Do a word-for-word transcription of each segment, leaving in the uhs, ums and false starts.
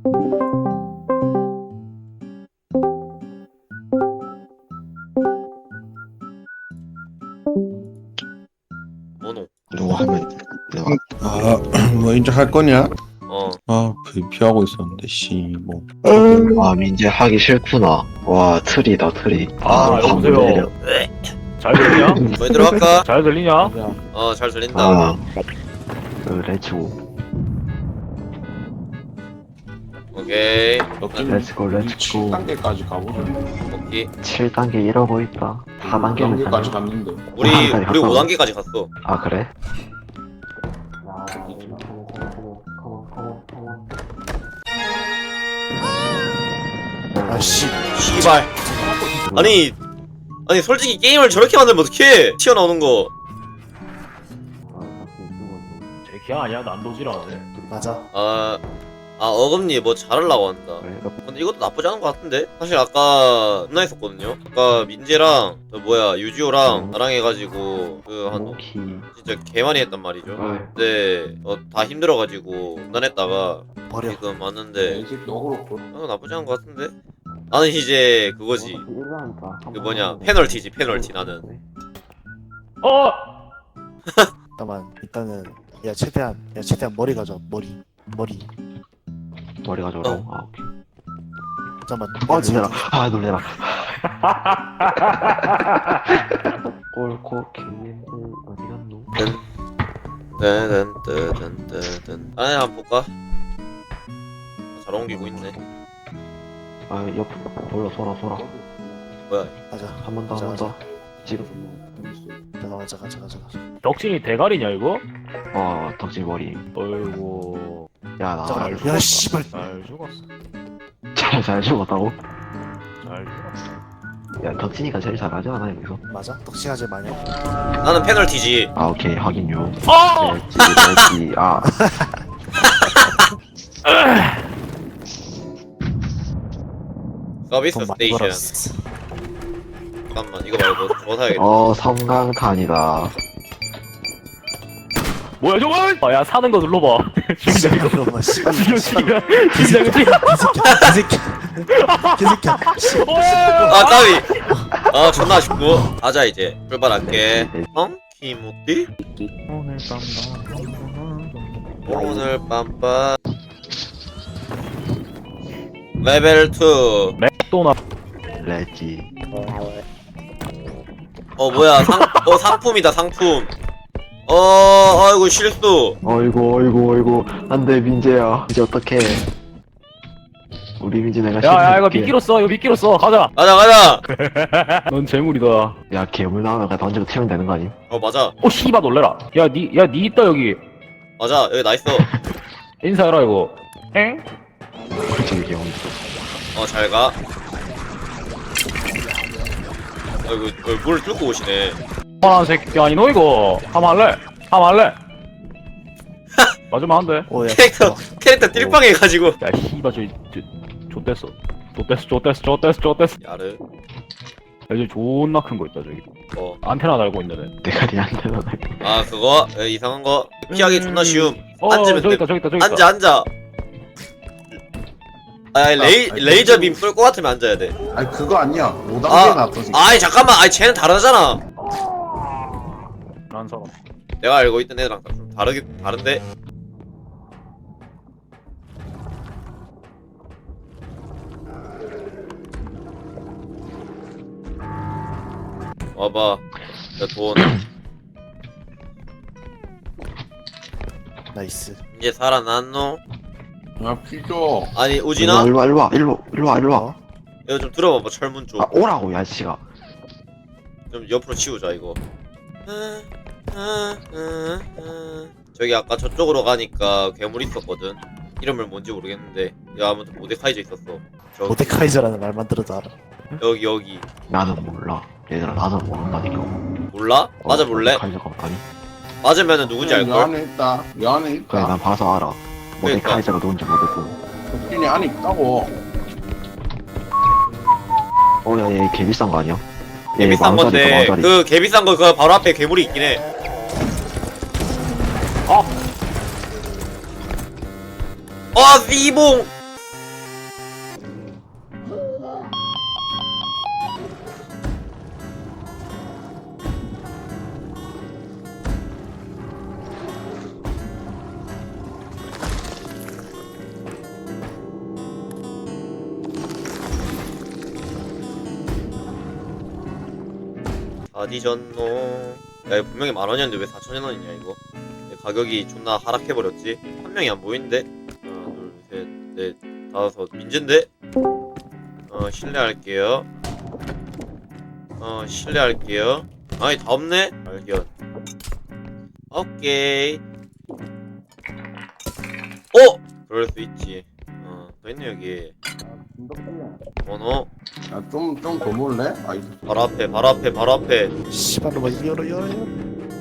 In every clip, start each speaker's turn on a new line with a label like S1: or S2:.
S1: 뭐노?
S2: 누구 하면 내가
S3: 아, 뭐 이제 할 거냐?
S1: 어.
S3: 아, 브이피하고 있었는데 씨, 뭐.
S2: 아 민재 하기 싫구나. 와 트리다 트리.
S4: 아,
S2: 밥
S4: 여보세요?
S2: 내려.
S4: 잘 들리냐?
S1: 뭐 들어갈까?
S4: 잘 들리냐?
S1: 어, 잘 들린다.
S2: 아 그 렛츠고
S1: 오케이.
S2: 렛츠고 렛츠고.
S5: 칠 단계까지 가보자.
S1: 오케이.
S2: 칠 단계 이러고 있다. 사 단계는
S5: 단계까지
S2: 가네.
S5: 갔는데.
S1: 우리
S2: 아,
S1: 우리
S2: 갔다
S1: 오 단계까지 갔어.
S2: 아 그래?
S3: 아씨,
S1: 씨발. 아니 아니 솔직히 게임을 저렇게 만들면 어떡해? 튀어나오는 거.
S4: 제 기아 아니야? 난도지라네.
S3: 맞아.
S1: 아, 아 어금니 뭐 잘하려고 한다.
S2: 그래.
S1: 근데 이것도 나쁘지 않은 것 같은데? 사실 아까 겁나 했었거든요? 아까 민재랑 저 뭐야 유지호랑 나랑 해가지고 그 한
S2: 모키.
S1: 진짜 개 많이 했단 말이죠.
S2: 어이.
S1: 근데 어, 다 힘들어가지고 중단했다가
S3: 버려.
S1: 지금 왔는데
S5: 이 새끼 어그로 끌.
S1: 어, 나쁘지 않은 것 같은데? 나는 이제 그거지. 그 뭐냐 페널티지 페널티 나는.
S4: 어!
S6: 잠깐만 일단은 야 최대한 야 최대한 머리 가져 머리 머리
S2: 머리가 저러. 아 오케이.
S6: 잠깐만
S2: 어 놀래라. 아 놀래라. 꼴코 김민재 어디 갔노?
S1: 뜬뜬뜬뜬뜬 안에 한번 볼까? 잘 옮기고 있네.
S2: 아 옆 돌려 소라 소라.
S1: 뭐야?
S6: 가자
S2: 한 번 더 한 번 더. 지금.
S6: 잠깐만 잠깐 잠깐 잠깐
S4: 덕진이 대가리냐 이거?
S2: 어 덕질 머리.
S4: 어이구.
S2: 야나
S6: 잠깐만 야 씨발
S4: 잘 죽었어.
S2: 잘, 잘 죽었다고?
S4: 잘 죽었어.
S2: 야 덕진이가 제일 잘하지 않아 여기서?
S6: 맞아? 덕싱하지 마냐
S1: 나는 페널티지.
S2: 아 오케이 확인요.
S4: 어!
S2: 렛지 렛지 아
S1: 서비스
S6: 돈 많이
S1: 스테이션.
S6: 벌었어
S1: 잠깐만 이거 말고 저거 사야겠다.
S2: 어 섬광탄이다.
S4: 뭐야 저거? 아, 야 사는 거 눌러봐. 죽인다 이거.
S6: 그럼 씨발
S4: 죽여 죽여. 죽인다 그치?
S6: 개새끼야 개새끼야 개새끼야
S1: 아 까비. 아 존나 아쉽고. 가자 이제 출발할게. 형? 키모띠?
S4: 오늘 밤
S1: 오늘 빰빰. 레벨 투.
S4: 맥도나.
S2: 렛지.
S1: 어 뭐야 상, 어 상품이다 상품. 어 아이고 실수.
S2: 어이구 어이구 어이구 안돼 민재야 이제 어떡해. 우리 민재 내가
S4: 야야 이거
S2: 실수할게.
S4: 미끼로 써. 이거 미끼로 써. 가자.
S1: 가자 가자.
S4: 넌 재물이다.
S2: 야 괴물 나오면 그냥 던지고 튀면 되는 거 아니?
S1: 어 맞아
S4: 오 씨발 놀래라. 야니야니 있다 여기.
S1: 맞아 여기 나 있어.
S4: 인사해라 이거. 엥?
S2: 그렇지 귀여운.
S1: 어 잘가. 아이고 어, 물 뚫고 오시네.
S4: 뻔한 새끼 아니 너 이거. 한번 할래? 한번 할래? 맞으면 안 돼.
S6: 오야
S1: 캐릭터 캐릭터 띨빵 해가지고.
S4: 야 씨발 저기 저 좆됐어. 좆됐어 좆됐어 좆됐어 좆됐어.
S1: 야르.
S4: 야 저기 존나 큰 거 있다 저기.
S1: 어.
S4: 안테나 달고 있는 애.
S2: 대가리 안 되나?
S1: 아 그거 에, 이상한 거 피하기 존나 쉬움.
S4: 어
S1: 앉으면
S4: 저기
S1: 돼.
S4: 있다 저기 있다 저기 있다.
S1: 앉아 앉아. 아 레이 레이저 빔 쏠 것 같으면 앉아야 돼.
S5: 아니 그거 아니야. 오 단계
S1: 아,
S5: 나왔던 새끼.
S1: 아이 잠깐만, 아이 쟤는 다르잖아.
S4: 난 사람.
S1: 내가 알고 있던 애랑 좀 다르게 다른데. 와봐, 내 돈.
S6: 나이스
S1: 이제 살아났노?
S5: 야 피죠.
S1: 아니 우진아,
S2: 일로와 일로와 일로와 일로와 일로와.
S6: 어?
S1: 이거 좀 들어봐봐 철문 쪽.
S2: 아 오라고 야 씨가.
S1: 좀 옆으로 치우자 이거. 저기 아까 저쪽으로 가니까 괴물 있었거든. 이름을 뭔지 모르겠는데 야 아무튼 모데카이저 있었어. 저기,
S6: 모데카이저라는 말만 들어도 알아
S1: 여기 여기
S2: 나는 몰라. 얘들아 나는 모른다니까.
S1: 몰라? 맞아 볼래?
S2: 카이저가 아니?
S1: 맞으면은 누군지
S5: 여
S1: 알걸?
S5: 안에 있다. 여 안에
S2: 그래
S5: 있다.
S2: 난 봐서 알아. 모델
S1: 그러니까.
S2: 카이저가 누군지 모르고.
S5: 덕진이 안에 있다고.
S2: 어야얘 개 비싼 거 아니야?
S1: 개
S2: 얘
S1: 비싼
S2: 만 원짜리
S1: 건데
S2: 만 원짜리.
S1: 그 개 비싼 거 그 바로 앞에 괴물이 있긴 해.
S4: 아!
S1: 아 씨봉. 어디졌노? 야 이거 분명히 만원이었는데 왜 사천 원이냐 이거. 가격이 존나 하락해버렸지. 한 명이 안 보이는데? 하나 둘셋넷 다섯 민재인데? 어 실례할게요. 어 실례할게요. 아니 다 없네? 발견. 오케이. 어! 그럴 수 있지. 어, 더 있네 여기. 번호
S5: 야좀 좀 더 몰래? 아이
S1: 바로 앞에 바로 앞에 바로 앞에.
S6: 씨발로 뭐 열어 열어 열어.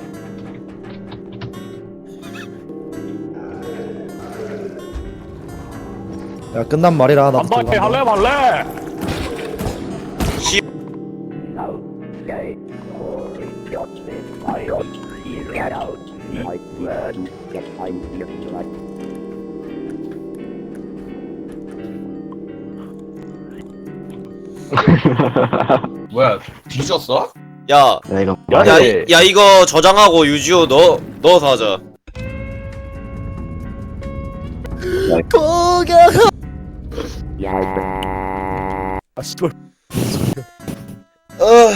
S6: 야 끝난 말이라 나.
S4: 한바퀴 할래 말래?
S1: 씨.
S5: 뭐야 뒤졌어?
S1: 야,
S2: 야 이거
S4: 야,
S1: 야,
S4: 네.
S1: 이- 야 이거 저장하고 유지호 넣어 넣어서 하자.
S6: 고개. 아 씨발.
S1: 어.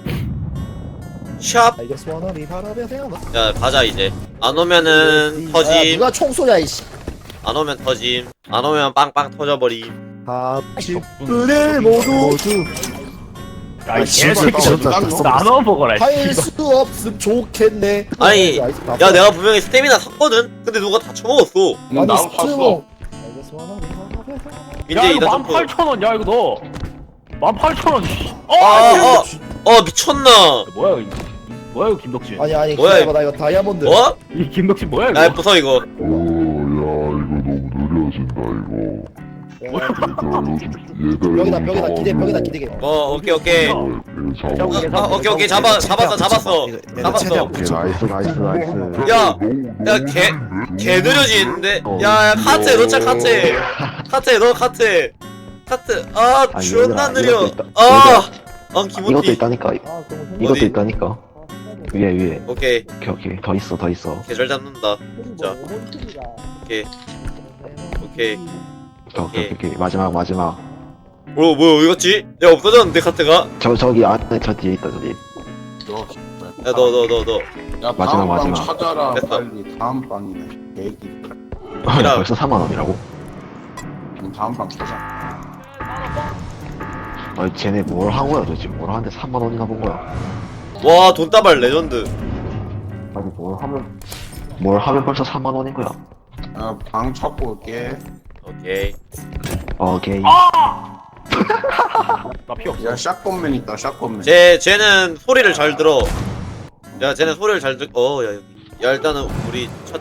S1: 샵.
S6: 알겠어 원하니 바람에 태어나.
S1: 야 가자 이제. 안 오면은 터짐.
S6: 누가 총소리야 이씨.
S1: 안 오면 터짐. 안 오면 빵빵 터져버림.
S6: 삼십 분을 모두 모두
S4: 야, 이
S6: 씨발,
S4: 개새끼.
S6: 진짜
S4: 나눠 먹어라.
S6: 할
S4: 씨발.
S6: 수 없음 좋겠네.
S1: 아니,
S6: 야
S1: 야 내가 분명히 스태미나 샀거든. 근데 누가 다 처먹었어.
S5: 응, 나도 샀어.
S6: 알겠어 원하니 바람에 태어나.
S1: 민재
S4: 야, 이거
S1: 이다
S4: 만
S1: 점프.
S4: 팔천 원. 야, 이거 너. 만 팔천 원. 씨. 어,
S1: 아, 어, 어 미쳤나?
S4: 뭐야, 이거. 뭐야, 이거 김덕진.
S6: 아니 아니
S1: 뭐야,
S6: 기다려봐 나 이거 다이아몬드.
S1: 뭐?
S4: 이 김덕진 뭐야, 이거.
S1: 야 부서 이거.
S7: 오, 야, 이거 너무 느려진다, 이거.
S6: 야,
S7: 야, 요즘 얘들
S6: 벽이다 벽이다 기대 벽이다 기대게.
S1: 어 오케이 오케이. 어,
S7: 잡아.
S1: 어, 오케이 오케이 잡아 잡았어 잡았어. 잡았어.
S2: 오케이 나이스 나이스 나이스.
S1: 야, 야, 개, 개 느려지는데? 야, 야, 카트에 넣자, 카트에. 카트에 넣어, 카트에. 카트, 아,
S2: 아니,
S1: 존나
S2: 얘들아,
S1: 느려.
S2: 이것도 있다.
S1: 아, 아,
S2: 이것도
S1: 기모티.
S2: 있다니까.
S6: 아 그럼
S2: 이것도
S1: 어디?
S2: 있다니까. 위에 위에.
S1: 오케이,
S2: 오케이 오케이 더 있어 더 있어.
S1: 계절 잡는다. 진짜. 오케이, 오케이.
S2: 오케이 오케이 오케이 마지막 마지막.
S1: 뭐, 뭐, 어디 갔지? 야, 없어졌는데, 카트가?
S2: 저 저기 안에 저 뒤에 있다 저 뒤에.
S5: 너,
S1: 야, 너, 너, 너, 너.
S5: 야
S2: 마지막,
S5: 다음 방
S2: 마지막.
S5: 찾아라
S1: 됐어.
S5: 빨리. 다음 방이네. 계획이.
S1: 야.
S2: 벌써 삼만 원이라고?
S5: 그럼 다음 방 찾아.
S2: 아 쟤네 뭘 한 거야 도대체? 뭘 하는데 삼만 원이나 본 거야?
S1: 와, 돈다발 레전드.
S2: 아니 뭘 하면 뭘 하면 벌써 삼만 원인 거야?
S5: 야방 찾고 올게.
S1: 오케이.
S2: 오케이.
S4: 나 피 없어.
S5: 야 샷건맨 있다 샷건맨.
S1: 쟤, 쟤는 소리를 잘 들어. 야, 쟤는 소리를 잘 들, 어, 야, 여기. 야, 일단은 우리 첫.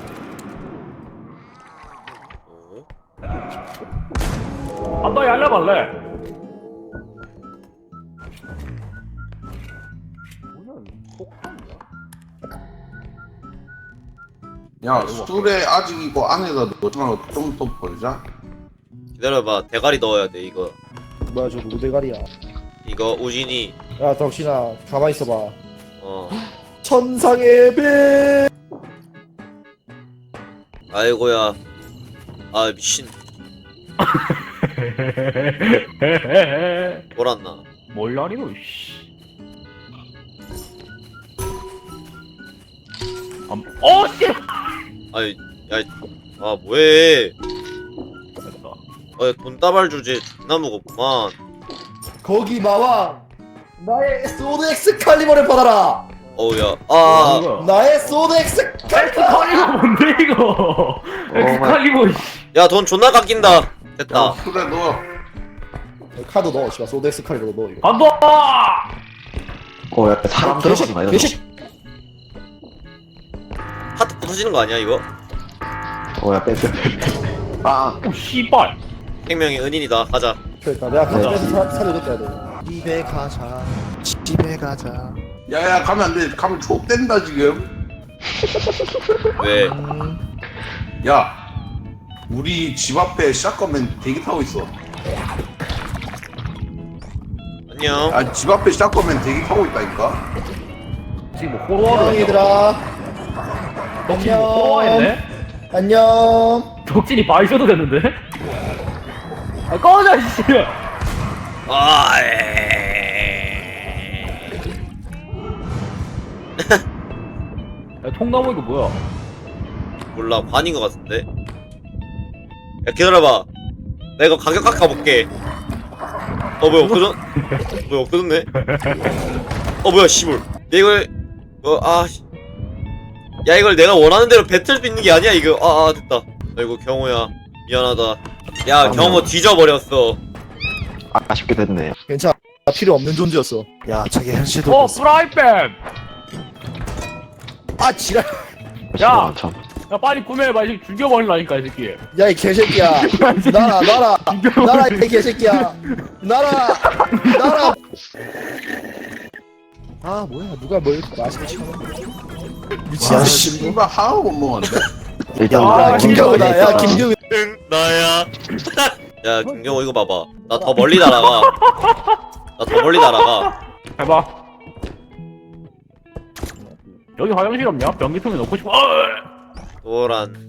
S1: 어?
S4: 한바퀴 할래 말래?
S5: 야 술에 아직 이거 안에다 넣어서 좀더 벌자.
S1: 기다려봐, 대가리 넣어야 돼, 이거.
S6: 뭐야 저 누구 대가리야.
S1: 이거 우진이,
S6: 야 덕신아 가만 있어봐.
S1: 어.
S6: 천상의 배.
S1: 아이고야. 아, 미친. 돌았나?
S4: 몰라니 너 씨. 암... 어 씨.
S1: 아이, 야, 아, 뭐해.
S4: 됐다.
S1: 아, 돈다발 주제 존나 무겁구만.
S6: 거기 마왕. 나의 소드 엑스칼리버를 받아라.
S1: 어우, 야, 아,
S4: 뭐야?
S6: 나의 소드 엑스칼리버.
S4: 엑스칼리버 뭔데 이거? 엑스칼리버 씨.
S1: 야, 돈 존나 깎인다.
S5: 야
S1: 됐다.
S5: 술에 넣어.
S6: 카드 넣어 씨발 소드 엑스칼리버 넣어 이거.
S4: 간다.
S2: 어야 사람 들어가지 마 이거.
S6: 개식.
S1: 하트 부서지는 거 아니야, 이거?
S2: 어야 빼빼 빼. 아.
S4: 오 씨발.
S1: 생명의 은인이다. 가자.
S6: 그러니까 내가 카드
S2: 네.
S6: 빼서 사- 사료 넣어야 돼. 집에 가자. 집에 가자.
S5: 야야 가면 안 돼. 가면 족된다 지금.
S1: 왜?
S6: 음,
S5: 야 우리 집 앞에 샷건맨 대기 타고 있어.
S1: 안녕.
S5: 아 집 앞에 샷건맨 대기 타고 있다니까.
S4: 지금 뭐 호로하러
S6: 안녕 얘들아.
S4: 덕진이 뭐
S6: 안녕.
S4: 호로하했네?
S6: 안녕.
S4: 덕진이 바이셔도 됐는데? 아 꺼져 씨.
S1: 아, 에이.
S4: 야, 통나무 이거 뭐야?
S1: 몰라 관인 것 같은데. 야 기다려봐. 나 이거 가격 깎아볼게. 어 뭐야 없어졌? 뭐야 없어졌네? 어 뭐야 씨발. 내 이걸 어아 야 이걸 내가 원하는 대로 뱉을 수 있는 게 아니야 이거. 아, 아 됐다. 아이고 경호야 미안하다. 야 경호 뒤져버렸어.
S2: 아, 아쉽게 됐네.
S6: 괜찮아. 필요 없는 존재였어. 야, 자기 현실도.
S4: 어 프라이팬!
S6: 아, 지랄.
S4: 야!
S2: 참.
S4: 야 빨리 구매해봐 이 새끼 죽여버리려니까 이 새끼.
S6: 야, 이 개새끼야. 나라, 나라. 나라, 이 개새끼야. 나라, 나라. 아, 뭐야. 누가 뭘 맛있게 시켜놓은 미친
S5: 아,
S6: 씨.
S5: 씨발 하나도 못 먹었는데.
S2: 일단
S6: 야,
S2: 우리
S6: 김경호다. 야,
S2: 먼저
S6: 김경호.
S1: 응 나야. 야 김경호 이거 봐봐. 나 더 멀리 날아가. 나 더 멀리 날아가.
S4: 해봐. 여기 화장실 없냐? 변기통에 넣고 싶어.
S1: 노란.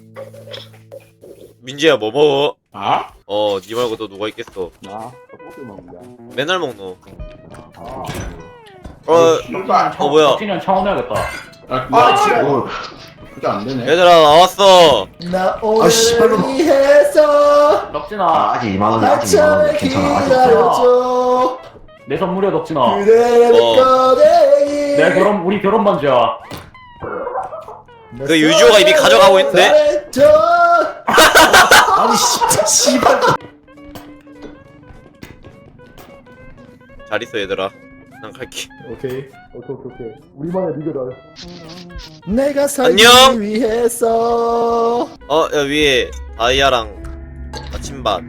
S1: 민지야 뭐 먹어?
S5: 아?
S1: 어, 니 말고 또 누가 있겠어?
S5: 나 떡볶이 먹는다.
S1: 맨날 먹노.
S5: 아.
S1: 어,
S5: 씨발.
S1: 어 뭐야?
S4: 덕진이랑 차원해야겠다.
S5: 아, 아, 진짜. 그게 안 되네.
S1: 얘들아 나왔어.
S6: 나 오늘 위해서
S4: 덕진아,
S2: 아, 아직 이만 원이 아직 이만 원 괜찮아. 아직
S6: 기다려줘.
S4: 내 선물이야 덕진아.
S6: 그대의
S1: 어.
S6: 꺼내기.
S4: 내 결혼 우리 결혼 반지야.
S1: 그 유주호가 이미 가져가고 있는데?
S6: 잘했죠. 아니 진짜 씨발.
S1: 잘 있어 얘들아. 난 갈게.
S6: 오케이 오케이 오케이 우리만의 리그다. 내가 살기
S1: 안녕.
S6: 위해서.
S1: 어, 야 위에 다이아랑 아침밥.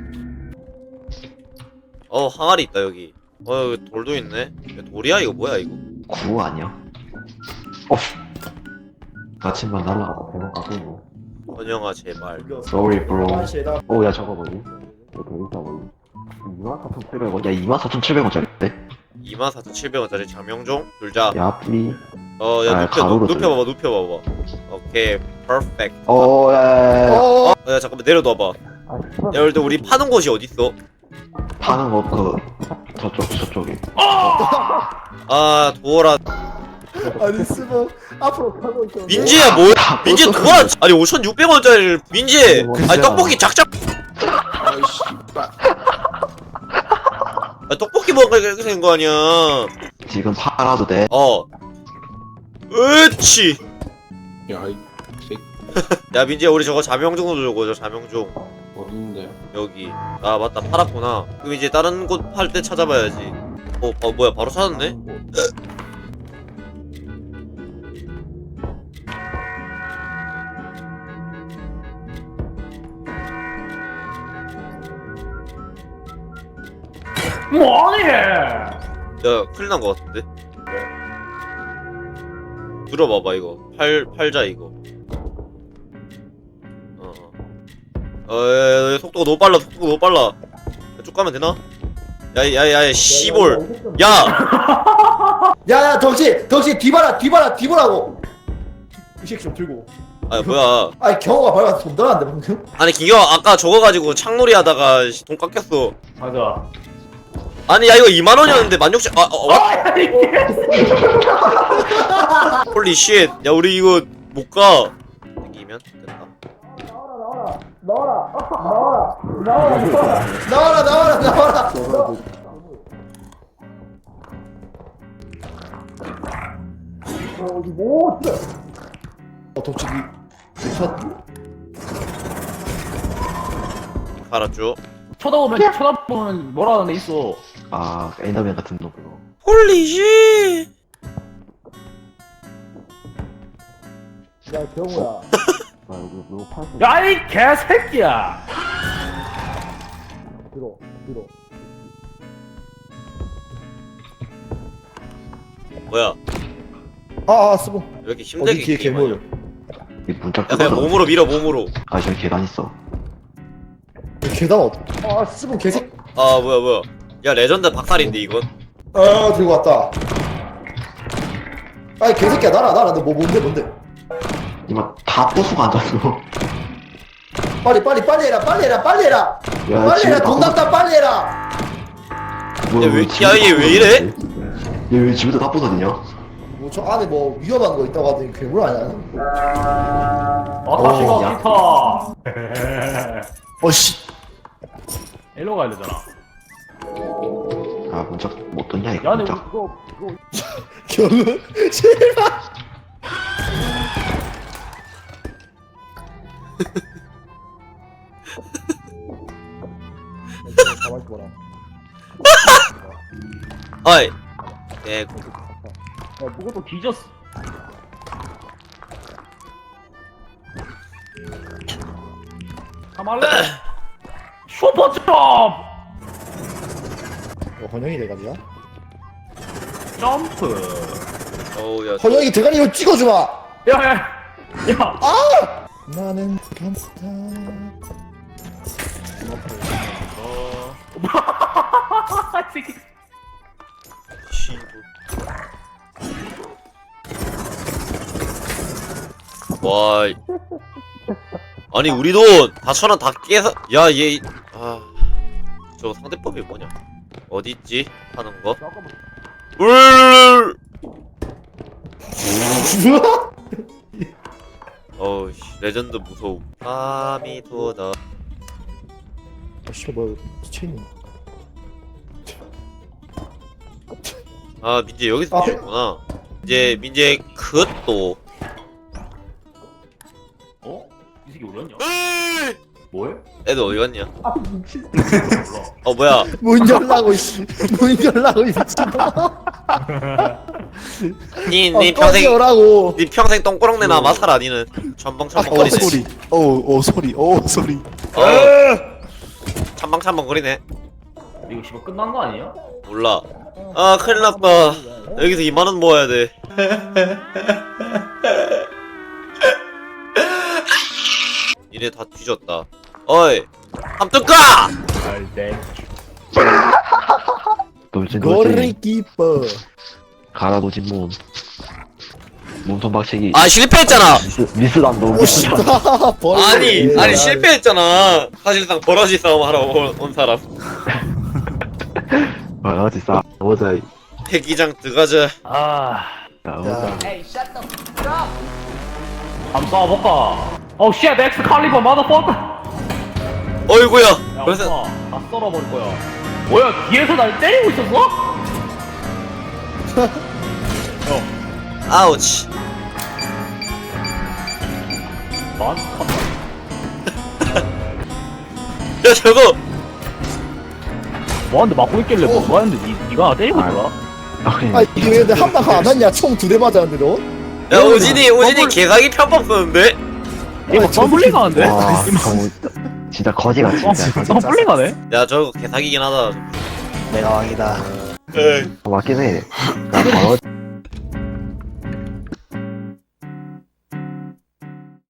S1: 어, 항아리 있다 여기. 어, 여기 돌도 있네. 야, 돌이야 이거 뭐야 이거?
S2: 구 아니야? 어. 아침만 날라가다 배가 가고.
S1: 번영아 제발.
S2: Sorry bro.
S6: 아, 쟤다.
S2: 오, 야 저거 뭐니? 이렇게 있어 보이. 이만 사천칠백 원. 야 이만 사천칠백 원짜리인데?
S1: 이만 사천칠백 원짜리 장명종 둘자.
S2: 야 플리.
S1: 어, 야
S2: 아,
S1: 눕혀
S2: 가로로
S1: 눕, 눕혀봐봐 눕혀봐봐. 오케이, 퍼펙트.
S2: 어, 야, 야, 야.
S6: 어.
S1: 어, 야 잠깐만 내려놔봐. 야, 근데 우리 파는 곳이 어디 있어?
S2: 파는 거 그 저쪽 저쪽에.
S1: 아, 도어라.
S6: 아니 스모 앞으로 가고 있어.
S1: 민지야 뭐야? 민지 도어라. 아니 오천육백 원짜리를 민지. 아니 떡볶이 작작.
S5: 아이, 씨발.
S1: 아, 떡볶이 먹으니까 이렇게 된 거 아니야.
S2: 지금 팔아도 돼.
S1: 어. 으치.
S5: 야, 이 새끼
S1: 야 민지야 우리 저거 자명종도 주고 저 자명종
S5: 어딘데?
S1: 여기. 아 맞다 팔았구나. 그럼 이제 다른 곳 팔 때 찾아봐야지. 어, 어 뭐야 바로 찾았네?
S4: 뭐하니?
S1: 야 큰일 난 거 같은데? 들어봐봐 이거 팔 팔자 이거. 어. 어, 야, 야, 속도가 너무 빨라 속도가 너무 빨라. 야, 쭉 가면 되나? 야야야 씨볼. 야.
S6: 야야 덕지 덕지 뒤봐라 뒤봐라 뒤보라고. 이 새끼 좀 들고.
S1: 아 뭐야?
S6: 아니 경호가 밟아서 돈 들었는데 방금.
S1: 아니 김경 아까 저거 가지고 창놀이 하다가 씨, 돈 깎였어.
S4: 맞아.
S1: 아니 야 이거 이만 원이었는데 만 육천. 아 어. 어? 홀리 쉣. 야 우리 이거 못 가. 이기면 됐다.
S6: 나와라 나와라 나와라. 어 덕지 첫.
S1: 알았죠?
S4: 쳐다보면 쳐다보면 뭐라 하는 애 있어.
S2: 아, 엔더맨 같은 놈 그거.
S1: 홀리 쉣.
S6: 야 경호야.
S2: 아, 이거 이거 팔.
S4: 야 이 개새끼야.
S6: 들어 들어.
S1: 뭐야?
S6: 아아 스모.
S1: 왜 이렇게
S6: 어디
S1: 힘들게
S6: 뒤에
S1: 게임하냐?
S6: 괴물.
S2: 이 문짝
S1: 야 그냥
S2: 뜯어서.
S1: 몸으로 밀어 몸으로.
S2: 아, 저기 계단 있어.
S6: 계단 어디? 아 스모 개새.
S1: 아 뭐야 뭐야. 야 레전드 박살인데 이건.
S6: 아 들고 왔다. 아이 개새끼야 나라 나라 너 뭐 뭔데 뭔데?
S2: 이마 다 부수고 앉았어.
S6: 빨리 빨리 빨리 해라 빨리 해라 빨리 해라.
S2: 야,
S6: 빨리
S2: 지금
S6: 해라 돈
S2: 다
S6: 납다 빨리 해라.
S2: 부수- 뭐야,
S1: 야, 왜-
S2: 왜
S1: 야, 얘 왜 이래?
S2: 얘왜 집에서 다 부서지냐?
S8: 뭐 저 안에 뭐 위험한 거 있다고 하더니 괴물 아니야?
S4: 아타시가 기타.
S6: 어씨.
S4: 일로 가야 되잖아.
S2: 아 문짝 못 떴냐 이거
S4: 야, 근데 우리
S2: 문짝.
S4: 그거 그거
S8: 겨우 제발. 가만히 있어라.
S1: 어이. 예, 고-
S4: 야, 누가 또 뒤졌어. 가말래. 슈퍼점프.
S8: 어, 헌영이 대가리야?
S4: 점프.
S1: 어우 야.
S8: 헌영이 대가리 이거 찍어주마.
S4: 야, 야, 야.
S8: 나는 감사.
S4: 어. 이 새끼.
S1: 씨. 와. 이- 아니 우리 돈 사천 원 다 깨서 야 얘 아. 저 상대법이 뭐냐? 어디 있지? 하는 거?
S4: 잠깐만.
S1: 울. 어우 씨 레전드 무서움. 밤이 도다.
S8: 아 씨발 뭐야 체인이.
S1: 아 민재 여기서
S8: 아,
S1: 뛰었구나. 이제 민재 그것도.
S4: 어? 이 새끼 어디였냐? 뭐해?
S1: 애들 어디 갔냐?
S8: 아 미친.
S4: 몰라.
S1: 어 뭐야?
S8: 문 열라고 이씨. 문 열라고 이 미친아.
S1: 니,
S8: 어,
S1: 니 평생
S8: 꺼지오라고.
S1: 니 평생 똥꼬렁내 나 마살 아니는 천방천방거리네.
S6: 어 소리. 어어 소리. 어 소리.
S1: 어 천방천방거리네.
S4: 이거 씨발 끝난 거 아니야?
S1: 몰라. 아 큰일 났다. 여기서 이만 원 모아야 돼. 니네 다 뒤졌다. 어이 함뚜까!
S4: 알대.
S2: 돌진 돌진.
S8: 고리키퍼.
S2: 가라 도진 몸. 몸통 박치기.
S1: 아 실패했잖아.
S2: 미스 미스담도
S8: 오씨다.
S1: 아니 아니 실패했잖아. 사실상 버러지 싸움 하러 온, 온 사람.
S2: 어디 싸. 오자.
S1: 패기장 들어가자.
S4: 아.
S2: 오자.
S4: 한번 쏴볼까? 어, 쉣, 엑스 칼리버 마더퍼커.
S1: 어이구야.
S4: 야,
S1: 그래서
S4: 오빠, 다 썰어버릴 거야. 뭐야, 뒤에서 날 때리고 있었어?
S1: 아우치.
S4: 만?
S1: 야 저거
S4: 뭐하는데 맞고 있길래 뭐 하는데 니, 니가 나 때리고 있더라?
S2: 아니
S8: 아 이게 왜 근데 한 방 안 왔냐? 총 두 대 맞았는데 너?
S1: 야 오진이 오진이 개사기 편법 쓰는데?
S4: 이거 막 덤블링 하는데?
S2: 와 정우 진짜 거지같이
S4: 어,
S2: 진짜 거지.
S4: 덤블링 하네?
S1: 야 저거 개사기긴 하다.
S6: 내가 왕이다.
S1: 에이.
S2: 어, 맞긴 해. 나 바로